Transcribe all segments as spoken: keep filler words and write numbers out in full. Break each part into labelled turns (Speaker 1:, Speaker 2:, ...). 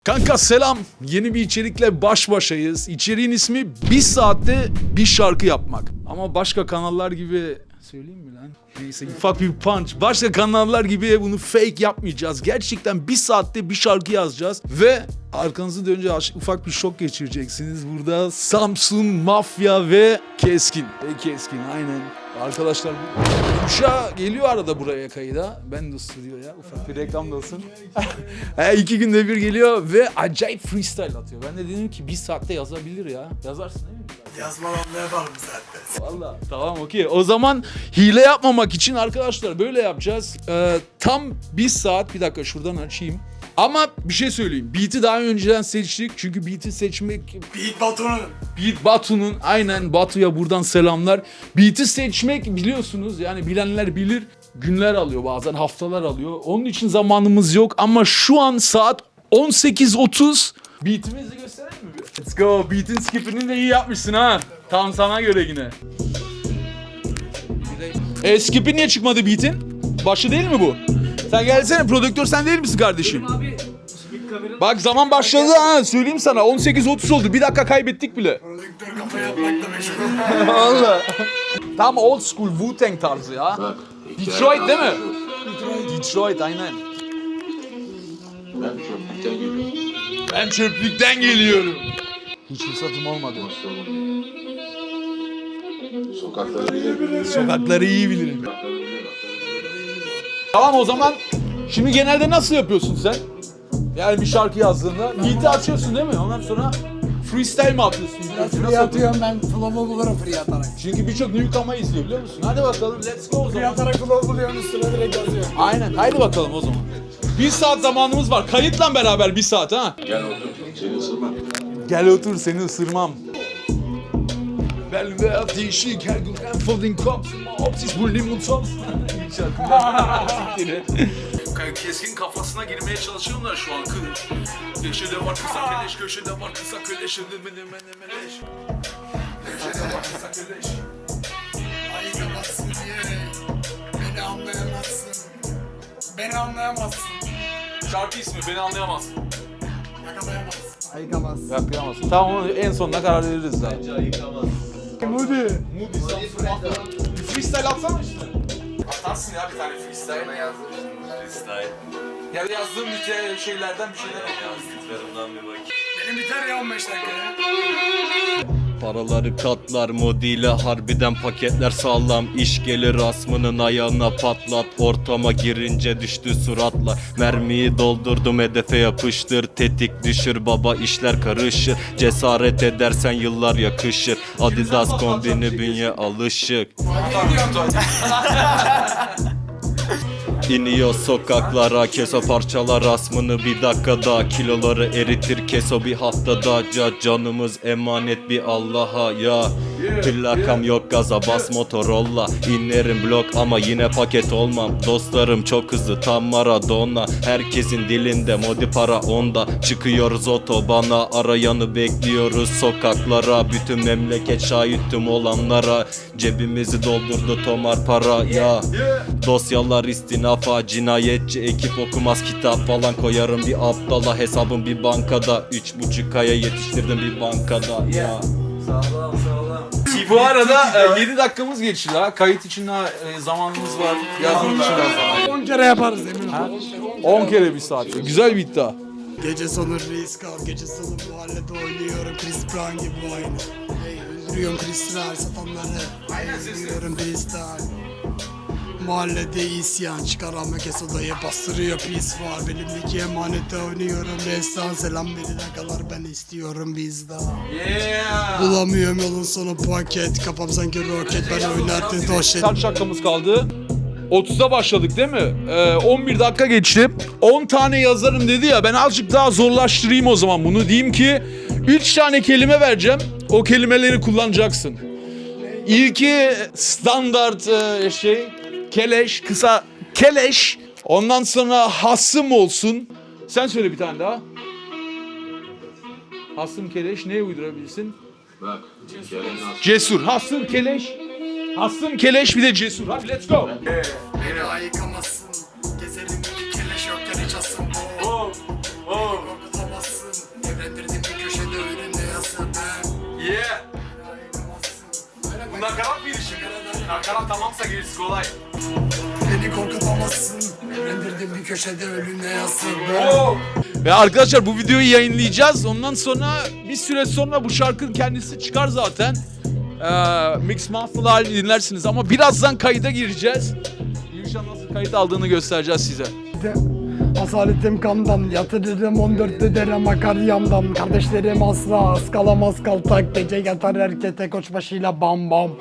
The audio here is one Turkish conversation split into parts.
Speaker 1: Kanka selam. Yeni bir içerikle baş başayız. İçeriğin ismi bir saatte bir şarkı yapmak. Ama başka kanallar gibi... Söyleyeyim mi lan? Neyse ufak bir punch. Başka kanallar gibi bunu fake yapmayacağız. Gerçekten bir saatte bir şarkı yazacağız. Ve arkanızı dönünce ufak bir şok geçireceksiniz. Burada Samsun, Mafya ve Keskin. Ve Keskin aynen. Arkadaşlar Uşa geliyor arada buraya kayıda. Ben de stüdyo ya. Ufak bir reklam da olsun. He, iki günde bir geliyor ve acayip freestyle atıyor. Ben de dedim ki bir saatte yazabilir ya. Yazarsın değil mi?
Speaker 2: Yazmadan ne yapalım zaten?
Speaker 1: Valla tamam okey. O zaman hile yapmamak için arkadaşlar böyle yapacağız. Ee, tam bir saat, bir dakika şuradan açayım. Ama bir şey söyleyeyim. Beat'i daha önceden seçtik. Çünkü beat'i seçmek...
Speaker 2: Beat Batu'nun.
Speaker 1: Beat Batu'nun, aynen Batu'ya buradan selamlar. Beat'i seçmek biliyorsunuz yani bilenler bilir. Günler alıyor, bazen haftalar alıyor. Onun için zamanımız yok ama şu an saat on sekiz otuz. Beat'imizi gösterelim mi bir? Let's go. Beat'in skipini de iyi yapmışsın ha. Tam sana göre yine. E skip'i niye çıkmadı Beat'in? Başı değil mi bu? Sen gelsene, prodüktör sen değil misin kardeşim?
Speaker 3: Abi,
Speaker 1: Bak zaman başladı ha, söyleyeyim sana, on sekiz otuz oldu, bir dakika kaybettik bile.
Speaker 2: Prodüktör kafa yapmakla meşgul.
Speaker 1: Valla. Tam old school Wu-Tang tarzı ya. Detroit değil mi? Detroit aynen.
Speaker 4: Ben çöplükten geliyorum.
Speaker 1: Ben çöplükten geliyorum. Hiç fırsatım olmadı.
Speaker 4: Sokakları bilir.
Speaker 1: Sokakları iyi bilirim. Tamam o zaman, şimdi genelde nasıl yapıyorsun sen? Yani bir şarkı yazdığında beat'i açıyorsun değil mi? Ondan sonra freestyle mi atıyorsun?
Speaker 2: Biraz
Speaker 1: Nasıl
Speaker 2: free atıyorum ben. Flow'u bulurum free atarak.
Speaker 1: Çünkü birçok newcomer izliyor biliyor musun? Hadi bakalım let's go o
Speaker 2: Free
Speaker 1: zaman.
Speaker 2: atarak flow buluyorum üstüne direkt yazıyorum.
Speaker 1: Aynen, haydi bakalım o zaman. Bir saat zamanımız var. Kayıtla beraber bir saat ha.
Speaker 4: Gel otur. Seni ısırmam.
Speaker 1: Gel otur, seni ısırmam. Ben ve ateşi her gün enfolding cops. Opsis bu limon tops. Keskin kafasına girmeye çalışıyorlar şu an. Köşede var kısa keleş, köşede var kısa keleş. Köşede var kısa keleş.
Speaker 2: Ayıkamazsın diye. Beni anlayamazsın. Beni anlayamazsın.
Speaker 1: Şarkı ismi beni anlayamazsın.
Speaker 2: Yakalayamazsın. Ayıkamazsın.
Speaker 1: Yaklayamazsın. Tamam onu en sonuna karar veririz zaten.
Speaker 2: Moody.
Speaker 1: Moody Samsun. Bir freestyle atsana işte. Atarsın ya bir tane freestyle.
Speaker 5: Bana yazdım freestyle.
Speaker 1: Ya da yazdığım bir şeylerden bir şeyler yap.
Speaker 5: Yazdıklarımdan bir bakayım.
Speaker 2: Benim biter ya on beş dakikaya.
Speaker 6: Paraları katlar modiyle harbiden paketler sağlam. İş gelir asmının ayağına patlat. Ortama girince düştü suratla. Mermiyi doldurdum hedefe yapıştır. Tetik düşür baba işler karışır. Cesaret edersen yıllar yakışır. Adidas kombini bünye alışık. İniyor sokaklara keso parçalar asmını bir dakikada. Kiloları eritir keso bir haftada. Ca canımız emanet bir Allah'a ya. Plakam yok gaza bas Motorola. İnerim blok ama yine paket olmam. Dostlarım çok hızlı tam Maradona. Herkesin dilinde modi para onda. Çıkıyoruz otobana arayanı bekliyoruz sokaklara. Bütün memleket şahit tüm olanlara. Cebimizi doldurdu tomar para ya. Dosyalar istinafa cinayetçi ekip okumaz kitap falan. Koyarım bir aptala hesabım bir bankada. Üç buçuk aya yetiştirdim bir bankada ya.
Speaker 5: Sağlam sağlam.
Speaker 1: Bu arada e, yedi dakikamız geçti daha. Kayıt için daha e, zamanımız var. Yazım için daha zaman.
Speaker 2: on kere yaparız emin ol.
Speaker 1: on kere bir saat. Güzel bir iddia.
Speaker 2: Gece sonu risk al, gece sonu mahallede oynuyorum Chris Brown gibi aynı. Hey, öldürüyorum Kristal satanları. Hey, öldürüyorum Kristal. Mahallede isyan çıkaran kes odayı bastırıyor pis var. Benimdeki emanete oynuyorum restan. Selam verine kadar ben istiyorum bizden.
Speaker 1: Yeah.
Speaker 2: Bulamıyorum yolun sonu paket. Kafam sanki roket ben oynardım doşet.
Speaker 1: Kaç dakikamız kaldı? otuza başladık değil mi? Ee, on bir dakika geçti. on tane yazarım dedi ya, ben azıcık daha zorlaştırayım o zaman bunu. Diyeyim ki üç tane kelime vereceğim. O kelimeleri kullanacaksın. İlki standart e, şey keleş, kısa keleş. Ondan sonra hasım olsun. Sen söyle bir tane daha. Hasım keleş neye uydurabilirsin?
Speaker 4: Bak. Kerem Aslı.
Speaker 1: Cesur. Hasım keleş. Hasım keleş bir de cesur. Hadi let's go.
Speaker 2: Beni ayıkamazsın. Gezerim iki keleş yokken hiç asım.
Speaker 1: Oh, oh.
Speaker 2: Korkutamazsın.
Speaker 5: Nakarat tamamsa gerisi kolay.
Speaker 2: Beni korkutamazsın. Evlendirdim bir köşede ölümle yasın.
Speaker 1: Ve arkadaşlar bu videoyu yayınlayacağız. Ondan sonra bir süre sonra bu şarkının kendisi çıkar zaten. Ee, Mix Master'lı halini dinlersiniz ama birazdan kayıda gireceğiz. Yuşa nasıl kayıt aldığını göstereceğiz size.
Speaker 2: Asaletim kandan, yatırırım on dörtlü derem akar yandan. Kardeşlerim asla ıskalamaz kaltak, gece yatar erkete koçbaşıyla bam bam.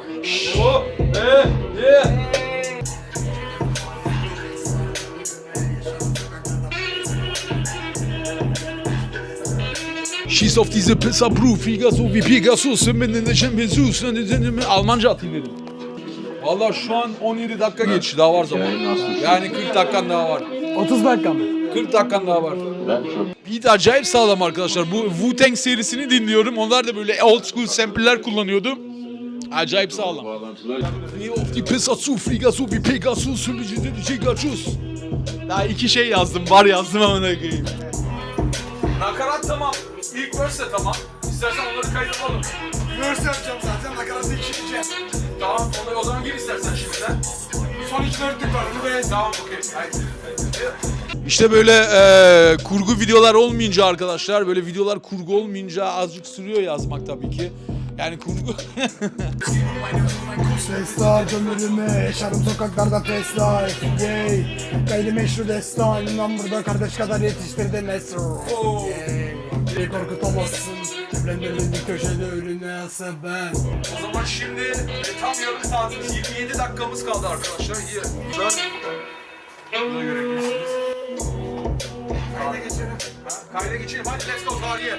Speaker 1: She's of diese Pizza Brew, Figaso wie Pegasus, Minne Champions, Almanca atayım dedim. Valla şu an on yedi dakika geçti, daha var zaman. Yani kırk dakikan daha var.
Speaker 2: otuz dakika mı?
Speaker 1: kırk dakikan daha var.
Speaker 4: Ben çok
Speaker 1: Beat acayip sağlam arkadaşlar. Bu Wu-Tang serisini dinliyorum. Onlar da böyle old school sample'ler kullanıyordu. Acayip sağlam.
Speaker 4: bağlantılar.
Speaker 1: Of die Pizza zu, Figaso wie Pegasus, Pegasus. Daha iki şey yazdım, var yazdım amına koyayım.
Speaker 5: Nakarat tamam. İlk verse de tamam. İstersen onları kaydedelim.
Speaker 2: Verse yapacağım zaten, nakaratı ikileyeceğim.
Speaker 5: Tamam onları o zaman gir istersen şimdiden.
Speaker 2: Son iki dörtlük var, bunu beğendim.
Speaker 5: Tamam okey. Haydi.
Speaker 1: İşte böyle e, kurgu videolar olmayınca arkadaşlar, böyle videolar kurgu olmayınca azıcık sürüyor yazmak tabii ki. Yani kurgu...
Speaker 2: Sesler ömrümü, yaşarım sokaklarda fast life. Yay, gayrimeşru destan. İnan burada kardeş kadar yetiştirdi Mesro. Yay, beni korkutamazsın. Evlendirin bir köşede ölüne yasa ben.
Speaker 5: O zaman şimdi e, tam yarım saatimiz yirmi yedi dakikamız kaldı arkadaşlar. İyi. Ben buna göre girsiniz. Kayda geçelim. Ha, kayda geçelim. Hadi let's go tarihe.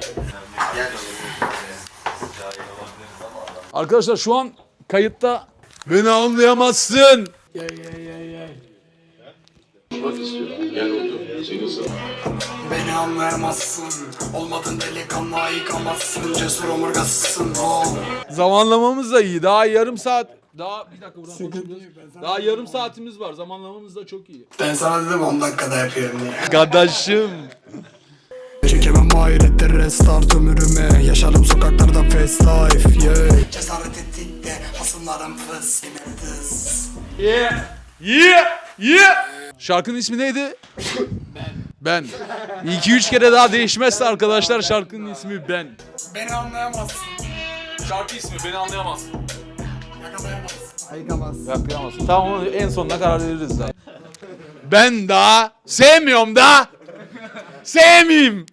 Speaker 1: Arkadaşlar şu an kayıtta beni anlayamazsın.
Speaker 2: Yay yay yay yay.
Speaker 4: Bak istiyorum. Gel otur. Seni ısır.
Speaker 2: Beni anlayamazsın. Olmadın delikanlı yıkamazsın. Cesur omurgasısın. Oh.
Speaker 1: Zamanlamamız da iyi. Daha yarım saat... Daha bir dakika buradan konuşuyoruz. Daha yarım saatimiz var. Zamanlamamız da çok iyi.
Speaker 2: Ben sana dedim on dakikada yapıyorum diye.
Speaker 1: Kardeşim.
Speaker 2: Çekemem hayrettir restart ömrüme. Yaşarım sokaklarda fast life. Yeah. Cesaret ettik de hasımlarım fıs. Tız.
Speaker 1: Yeah. Yeah. Yeah. Şarkının ismi neydi? Ben. Ben. iki üç kere daha değişmezse arkadaşlar şarkının ismi Ben.
Speaker 2: Beni anlayamazsın.
Speaker 5: Şarkı ismi beni anlayamaz.
Speaker 2: Yakalayamazsın. Ayıkamazsın.
Speaker 1: Yapamazsın. Tamam onu en sonuna karar veririz daha. Ben daha sevmiyorum da. Sevmeyeyim.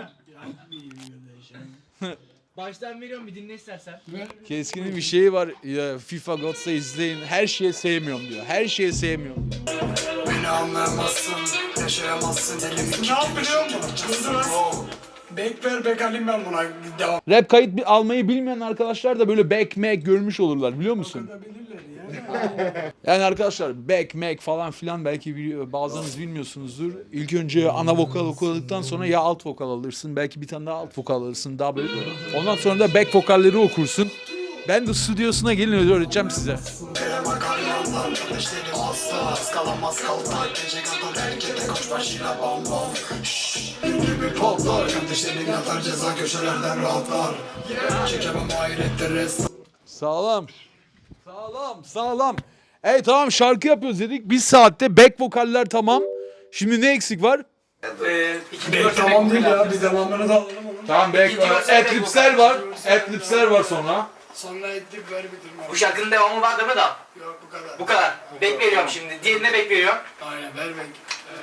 Speaker 3: Baştan veriyorum bir dinle istersen.
Speaker 1: Keskin'in bir şeyi var. Ya, FIFA Gods'ta izleyin. Her şeye sevmiyorum diyor. Her şeye sevmiyorum diyor.
Speaker 2: Beni anlayamazsın. Yaşayamazsın. Elimi ne yap biliyor musun? Bek ver bek alayım ben buna. Devam.
Speaker 1: Rap kayıt bi- almayı bilmeyen arkadaşlar da böyle back mac görmüş olurlar biliyor musun? Yani arkadaşlar back mac falan filan belki biliyor, bazılarınız bilmiyorsunuzdur. İlk önce ana vokal okuduktan sonra ya alt vokal alırsın. Belki bir tane daha alt vokal alırsın. Daha böyle. Ondan sonra da back vokalleri okursun. Ben de stüdyosuna gelin öyle öğreteceğim size.
Speaker 2: Kerem akar yandan. Kardeşlerim asla ıskalamaz kaltak. Gece kadar erkete koçbaşıyla bam bam. Şşş. Gibi patlar. Kardeşlerim yatar ceza köşelerden rahatlar. Çekemem hayrettir rest.
Speaker 1: Sağlam. Sağlam, sağlam. Ey tamam şarkı yapıyoruz dedik. Bir saatte back vokaller tamam. Şimdi ne eksik var?
Speaker 5: Ee, iki
Speaker 2: Bek tamam değil ya. Bir devamını da alalım onun.
Speaker 1: Tamam back adlibsler var. Adlibsler var sonra.
Speaker 2: Sonra ettik ver bitirme.
Speaker 7: Bu şarkının devamı var değil mi da?
Speaker 2: Yok bu kadar.
Speaker 7: Bu kadar. Bek veriyorum şimdi. Diğerine bek veriyorum.
Speaker 2: Aynen ver bek.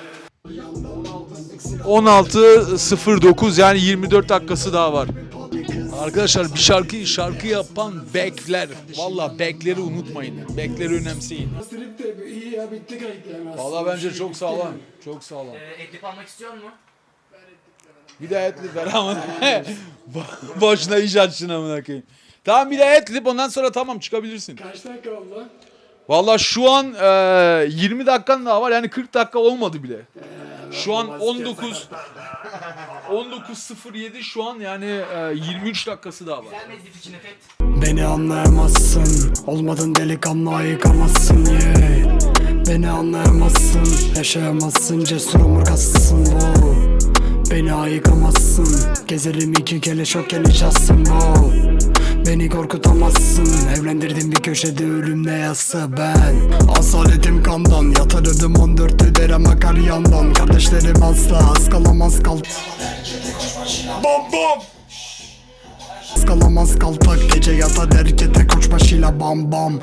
Speaker 1: on altı sıfır dokuz yani yirmi dört dakikası daha var. Arkadaşlar bir şarkı şarkı yapan backler. Valla backleri unutmayın. Backleri önemseyin.
Speaker 2: Strip de iyi ya bitti kayıt yani.
Speaker 1: Valla bence çok sağlam. Çok sağlam.
Speaker 7: Ee, eklip almak istiyor musun?
Speaker 1: Bir de etlip ver ama. Boşuna iş açsın amına koyayım. Tamam bir de etlip ondan sonra tamam çıkabilirsin.
Speaker 2: Kaç dakika oldu?
Speaker 1: Valla şu an e, yirmi dakikan daha var yani kırk dakika olmadı bile. Şu an on dokuz on dokuz sıfır yedi şu an yani e, yirmi üç dakikası daha var.
Speaker 7: Güzel mezgit için efekt.
Speaker 2: Beni anlayamazsın. Olmadın delikanlı ayıkamazsın yeah. Beni anlayamazsın. Yaşayamazsın cesur omurgasısın wow. Beni ayıkamazsın. Gezerim iki kere şok nişassın wow. Beni korkutamazsın. Evlendirdim bir köşede ölümle yatsa ben. Asaletim kandan, yatırdım on dörtlü derem akar yandan. Kardeşlerim asla ıskalamaz kal. Bom bom. Iskalamaz kaltak, gece yatar erkete koç başıyla bam bam.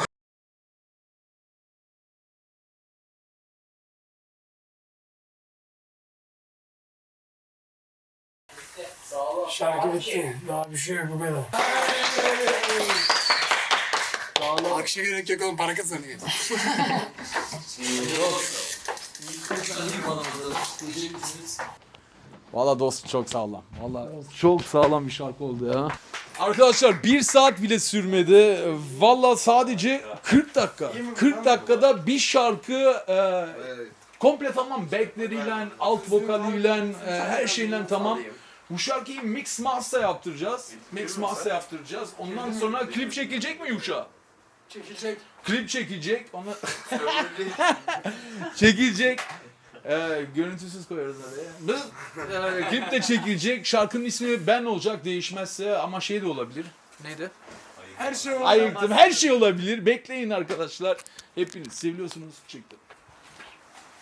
Speaker 2: Şarkı bitti. Daha bir şey yok, bu kadar. Akşa gerek yok oğlum, para kazanıyor.
Speaker 1: Valla dostum çok sağlam. Valla çok sağlam bir şarkı oldu ya. Arkadaşlar bir saat bile sürmedi. Valla sadece kırk dakika. kırk dakikada bir şarkı e, komple tamam. Backleriyle, alt vokaliyle, e, her şeyle tamam. Bu şarkıyı mix master yaptıracağız. Mix master yaptıracağız. Ondan sonra klip çekilecek mi Yuşa?
Speaker 2: Çekilecek.
Speaker 1: Klip çekilecek. Ona çekilecek. Ee, görüntüsüz koyarız oraya. Ee, klip de çekilecek. Şarkının ismi Ben olacak değişmezse ama şey de olabilir. Neydi?
Speaker 2: Her şey oldu.
Speaker 1: Ayıktım. Her şey olabilir. Bekleyin arkadaşlar. Hepiniz seviyorsunuz. Çıktı.